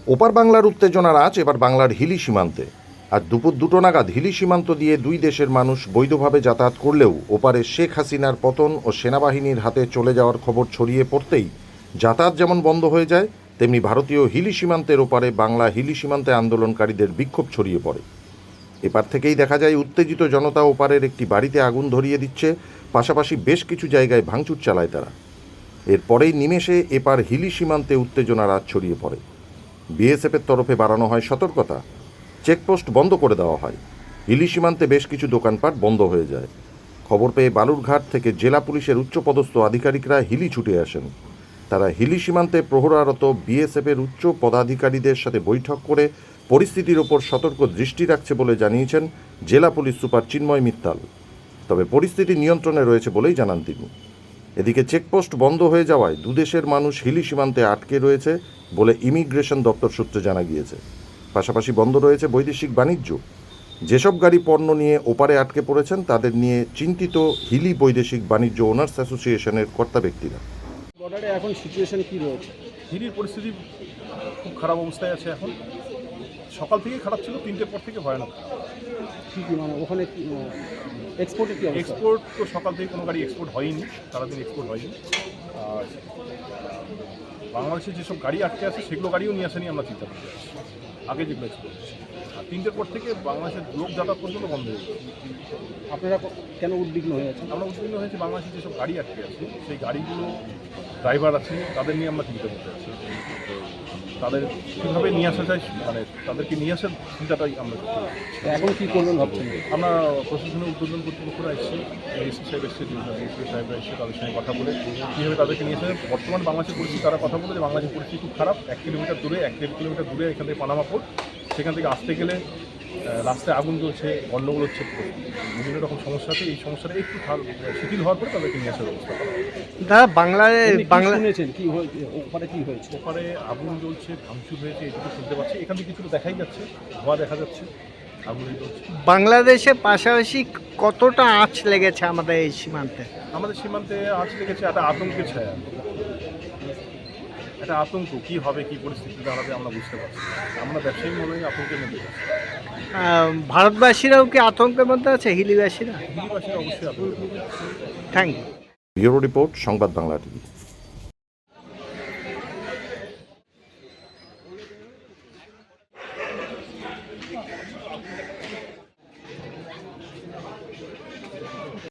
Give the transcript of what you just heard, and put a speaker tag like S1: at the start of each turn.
S1: ওপার বাংলার উত্তেজনার আঁচ এবার বাংলার হিলি সীমান্তে। আজ দুপুর 2টো নাগাদ হিলি সীমান্ত দিয়ে দুই দেশের মানুষ বৈধভাবে যাতায়াত করলেও ওপারে শেখ হাসিনার পতন ও সেনাবাহিনীর হাতে চলে যাওয়ার খবর ছড়িয়ে পড়তেই যাতায়াত যেমন বন্ধ হয়ে যায়, তেমনি ভারতীয় হিলি সীমান্তের ওপারে বাংলা হিলি সীমান্তে আন্দোলনকারীদের বিক্ষোভ ছড়িয়ে পড়ে। এপার থেকেই দেখা যায় উত্তেজিত জনতা ওপারের একটি বাড়িতে আগুন ধরিয়ে দিচ্ছে, পাশাপাশি বেশ কিছু জায়গায় ভাঙচুর চালায় তারা। এরপরেই নিমেষে এপার হিলি সীমান্তে উত্তেজনার আঁচ ছড়িয়ে পড়ে। বিএসএফের তরফে বাড়ানো হয় সতর্কতা, চেকপোস্ট বন্ধ করে দেওয়া হয়। হিলি সীমান্তে বেশ কিছু দোকানপাট বন্ধ হয়ে যায়। খবর পেয়ে বালুরঘাট থেকে জেলা পুলিশের উচ্চপদস্থ আধিকারিকরা হিলি ছুটে আসেন। তারা হিলি সীমান্তে প্রহরারত বিএসএফের উচ্চ পদাধিকারীদের সাথে বৈঠক করে পরিস্থিতির ওপর সতর্ক দৃষ্টি রাখছে বলে জানিয়েছেন জেলা পুলিশ সুপার চিন্ময় মিত্তাল। তবে পরিস্থিতি নিয়ন্ত্রণে রয়েছে বলেই জানান তিনি। এদিকে চেকপোস্ট বন্ধ হয়ে যাওয়ায় দুদেশের মানুষ হিলি সীমান্তে আটকে রয়েছে বলে ইমিগ্রেশন দপ্তর সূত্রে জানা গিয়েছে। পাশাপাশি বন্ধ রয়েছে বৈদেশিক বাণিজ্য। যেসব গাড়ি পণ্য নিয়ে ওপারে আটকে পড়েছেন তাদের নিয়ে চিন্তিত হিলি বৈদেশিক বাণিজ্য ওনার্স অ্যাসোসিয়েশনের কর্তা ব্যক্তিরা।
S2: বর্ডারে এখন সিচুয়েশন কি রয়েছে?
S3: হিলির পরিস্থিতি খুব খারাপ অবস্থায় আছে এখন। সকাল থেকেই খারাপ ছিল, 3টের পর থেকে ভয়ানক।
S2: কী কী মানে ওখানে এক্সপোর্টে কি অবস্থা?
S3: এক্সপোর্ট তো সকাল থেকে কোনো গাড়ি এক্সপোর্ট হয়নি, সারাদিন এক্সপোর্ট হয়নি। আর বাংলাদেশে যেসব গাড়ি আটকে আছে সেগুলো গাড়িও নিয়ে আসেনি, আমরা চিন্তা করতে পারছি আগে যেগুলো এক্সপোর্ট হচ্ছে। আর 3টের পর থেকে বাংলাদেশের লোক যাতায়াত পর্যন্ত বন্ধ হয়ে গেছে।
S2: আপনারা কেন উদ্বিগ্ন হয়ে আছেন?
S3: আমরা উদ্বিগ্ন হয়েছি, বাংলাদেশে যেসব গাড়ি আটকে আছে সেই গাড়িগুলো ড্রাইভার আছে তাদের নিয়ে আমরা চিন্তা করতে পারছি। তাদের কীভাবে নিয়ে আসা যায়, মানে তাদেরকে নিয়ে আসার চিন্তাটাই আমরা করতে পারছি।
S2: এখন কী করবেন ভাবছেন?
S3: আমরা প্রশাসনের উদ্বোধন কর্তৃপক্ষরা এসেছি, এসপি সাহেব এসেছে, এসপি সাহেবরা এসে তাদের সঙ্গে কথা বলে কীভাবে তাদেরকে নিয়ে আসে। বর্তমান বাংলাদেশের পরিস্থিতি তারা কথা বলে যে বাংলাদেশের পরিস্থিতি খুব খারাপ। 1 কিলোমিটার দূরে 1-1.5 কিলোমিটার দূরে এখান থেকে পানামা পোর্ট, সেখান থেকে আসতে গেলে রাস্তায় আগুন জ্বলছে, গণ্ডগোল হচ্ছে, বিভিন্ন রকম সমস্যা আছে। এই সমস্যাটা একটু শিথিল হওয়ার পরে তাদেরকে নিয়ে আসার ব্যবস্থা করা।
S2: দাদা বাংলা শুনেছেন কি হয়েছে? ওখানে কি হয়েছে?
S3: ওখানে আগুন জ্বলছে, ভাঙচুর হয়েছে, এটুকু শুনতে পাচ্ছি। এখান থেকে কিছুটা দেখাই যাচ্ছে, ধোঁয়া দেখা যাচ্ছে, আগুন জ্বলছে।
S4: বাংলাদেশের পাশাপাশি কতটা আঁচ লেগেছে আমাদের এই সীমান্তে?
S3: আমাদের সীমান্তে আঁচ লেগেছে একটা আতঙ্কের ছায়া, একটা আতঙ্ক। কী হবে, কী পরিস্থিতি দাঁড়াবে আমরা বুঝতে পারছি। আমরা ব্যবসায়ী মনেই আতঙ্কের মধ্যে আছি।
S4: ভারতবাসীরাও কি আতঙ্কের মধ্যে আছে? হিলিবাসীরা
S3: হিলিবাসীরা অবশ্যই আতঙ্কের মধ্যে আছে।
S4: Thank you.
S1: ব্যুরো রিপোর্ট, সংবাদ বাংলা টিভি।